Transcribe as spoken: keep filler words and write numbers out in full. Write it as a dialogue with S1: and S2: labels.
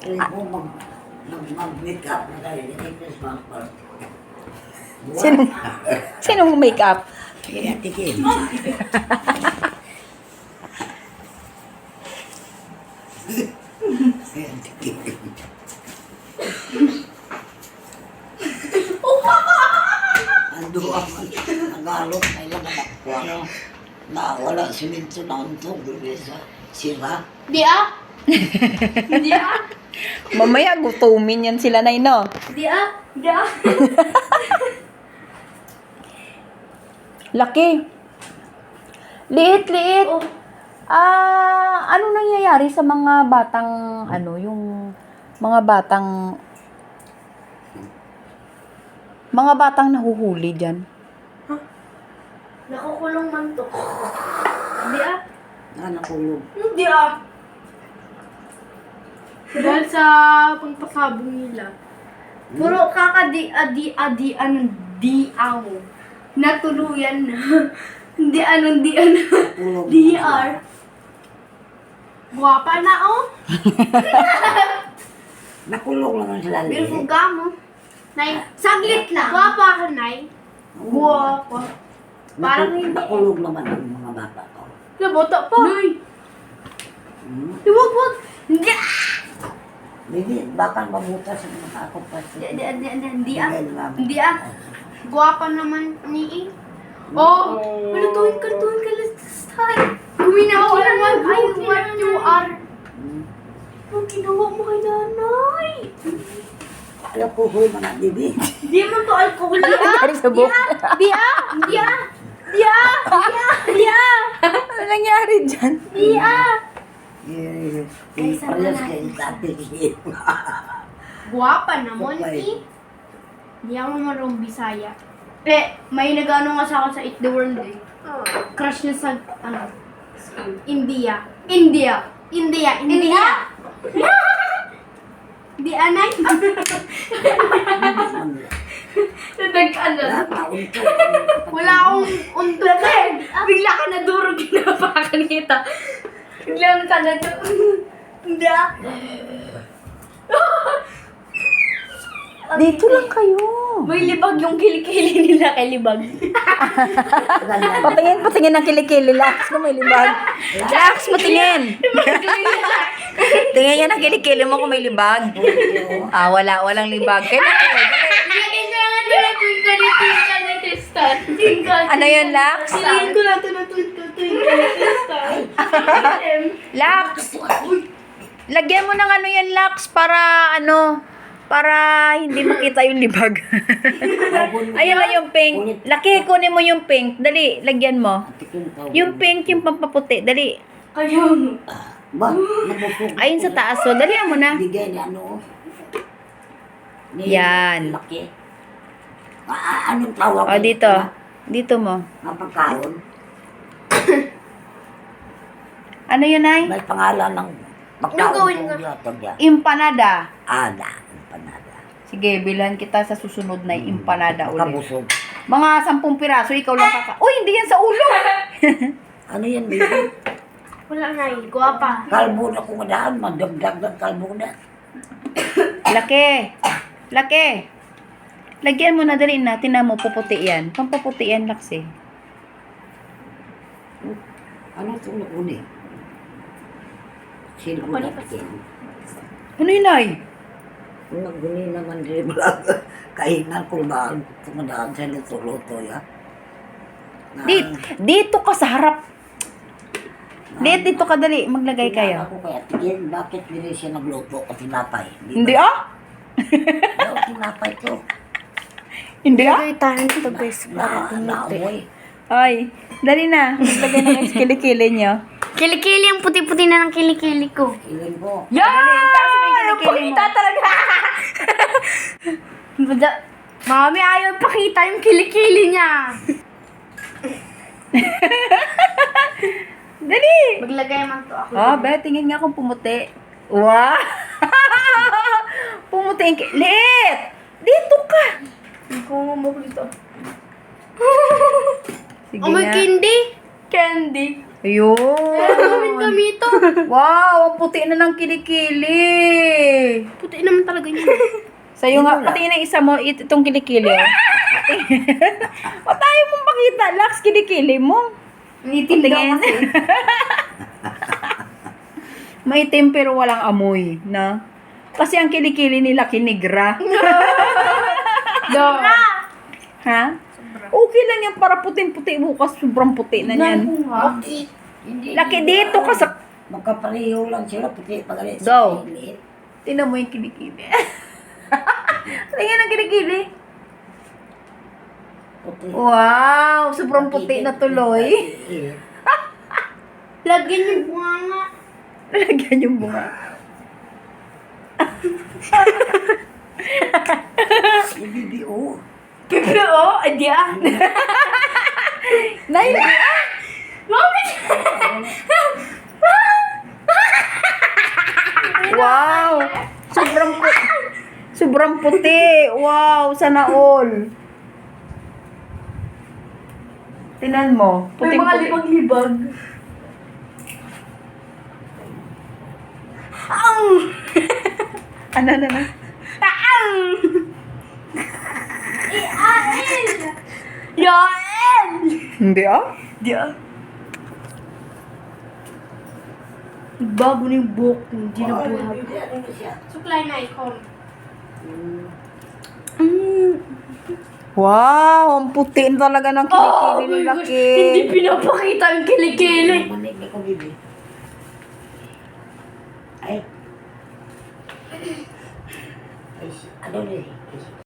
S1: Pili ko mag, mag, mag-make up na tayo. Christmas bumper.
S2: Sino, sinong makeup?
S1: Kaya tikin. Kaya tikin. Ando ako. Nagalot na ilang anak ko. Ano, na wala siminto na untog. Sa sira.
S3: Di ah. Di ah.
S2: Mamaya gutumin yan sila na ino.
S3: Di ah. Di ah.
S2: Laki. Liit, liit.
S3: Oh.
S2: Ah, ano nangyayari sa mga batang ano, yung mga batang mga batang nahuhuli diyan?
S3: Nakukulong man to. Di ah.
S1: Na nakulog.
S3: Hindi ah. Dahil sa pagpasabong nila. Puro kakadi adi adi anong di aw. Natuluyan na. Hindi anong di ano.
S1: Nakulog.
S3: D R. Guwapa na oh.
S1: Nakulog naman sila.
S3: Beautiful gamo. Nay, saglit lang. Guwapa ka, Nay. Guwapa. Parang
S1: Nakul-
S3: hindi.
S1: Nakulog naman ang mga bata ko.
S3: Naboto pa. Nay.
S1: Hmm?
S3: Huwag, wag. Hindi.
S1: Hindi, baka mabutas ang mga ako pa.
S3: Di, di, di, di, di ah. Hindi ah. Guwapa naman ni Oh, kalutuin, kalutuin, kalutuin. Guminawa naman. Ay, what you are. Ang ginawa mo kay nanay.
S1: Alam ko huy mga bibi.
S3: Di mo to alcohol. Di ah.
S2: Nangyari sa buhok.
S3: Di ah. Di ah. Di ah. Di ah. Di ah.
S2: Ano nangyari dyan?
S3: Di ah.
S1: Eh,
S3: Ay,
S1: eh,
S3: sama
S1: parehas
S3: na.
S1: kayo dati.
S3: Guwapa naman
S1: Okay.
S3: eh. Di ako marunong Bisaya. Eh, may nag-ano nga sa ako sa Eat the World eh. Crush niya sa, ano, India. India. India. India. Di anay. Nagkano.
S1: Taon ko.
S3: Wala akong untot eh. Bigla ka na durog ginapakan kita. Bigla ka na durog. Hindi ah.
S2: Dito lang kayo.
S3: May libag yung kilikili nila kay libag.
S2: Patingin, patingin ng kilikili. Lax kung may libag. Lax, patingin. Tingin yan ang kilikili mo kung may libag. Ah, wala, walang libag. Kailan ko?
S3: Kailangan ko na twinkle, twinkle, little star. Twinkle.
S2: Ano yun, Lax?
S3: Kailangan ko na ito na twinkle, twinkle, little star.
S2: Lax! Lagyan mo ng ano yan, Lax, para ano, para hindi makita yung libag. Ayun na yung pink. Laki, kunin mo yung pink. Dali, lagyan mo. Yung pink, yung pampaputi. Dali.
S3: Kaya mo.
S1: Ba, nabusog.
S2: Ayun sa taas. So, dali mo na.
S1: Bigay ni ano. Ni
S2: Yan.
S1: Laki. Ah, anong tawag?
S2: O, dito. Dito mo.
S1: Mapagkaon.
S2: Ano yun, ay?
S1: May pangalan ng
S3: Anong gawin ko?
S2: Empanada.
S1: Ada. Empanada.
S2: Sige, bilhan kita sa susunod na empanada ulit.
S1: Makabusog.
S2: Mga sampung piraso, ikaw lang kaka... Uy, hindi yan sa ulo!
S1: Ano yan, baby?
S3: Wala na eh. Guwapa.
S1: Kalbo na kung madaan. Madagdag ng kalbo na.
S2: Laki. Laki. Lagyan mo na dali na. Tinan mo, puputi yan. Pampaputi yan, Laksi.
S1: Ano ito na uni? Sino ko na patin?
S2: Ano yun, ay?
S1: Kung naguni naman rin vlog. Kahinan kung daan. Kumadaan sa luto-luto ya. Na-
S2: Dito, dito ka sa harap. Dito, dito ka dali. Maglagay kayo.
S1: Ako kaya tigil. Bakit hindi siya nagluto o tinapay?
S2: Hindi ah?
S1: Ano tinapay ko?
S2: Hindi ah?
S3: tayo ito guys.
S1: Na, naamoy.
S2: Ay, dali na. Maglagay na ng kilikili nyo.
S3: Kilikili, ang puti-puti na ng kilikili ko.
S1: Ilan ko.
S2: Yan! Kasi may kilikili mo.
S3: talaga. Mami, ayaw pakita yung kilikili niya.
S2: Dali!
S3: Maglagay man to ako.
S2: Oh, be, tingin nga kung pumuti. Wow! Pumuti yung ki- Liit! Dito ka!
S3: Kung mo dito.
S2: Sige
S3: Oh, may
S2: na.
S3: candy. Candy.
S2: Ayun.
S3: Kami ito.
S2: Wow, ang puti na ng kilikili.
S3: Puti naman talaga yun.
S2: Sa'yo nga, pati na isa mo, it- itong kilikili. oh. Patayo mong pakita, Lax, kilikili mo.
S3: Itim daw
S2: Tingin.
S3: kasi.
S2: Maitim pero walang amoy, na? Kasi ang kilikili nila kinigra.
S3: Do.
S2: Ha? Okay lang yan para puting-puti bukas, sobrang puti na yan.
S1: Bakit? Hindi.
S2: Laki dito ka sa...
S1: Magkapareho lang sila, puti pagalit
S2: Daw.
S1: sa liit.
S2: Tingnan mo yung kilikili. Tingnan ang kilikili.
S1: Puti.
S2: Wow, sobrang puti na tuloy.
S3: Lagyan yung bunga nga.
S2: Lagyan yung bunga.
S1: B B O.
S2: Pero, oh, ay di ah. Nay, di ah.
S3: Mami!
S2: Wow. Sobrang puti. Sobrang puti. Wow, sana all. Tinan mo.
S3: May mga
S2: Puting-puti.
S3: libag-libag.
S2: Ano na na?
S3: Taang! Iain! Yain!
S2: Hindi ah.
S3: Di ah. Bago na yung buhok ko, hindi na buhag.
S1: Ano siya?
S3: Suklay na icon.
S2: Wow, ang puti na talaga ng kilikili ni Laki.
S3: Hindi pinapakita ang kilikili.
S1: Manig ko bibi. Ay. Ay, ano ni?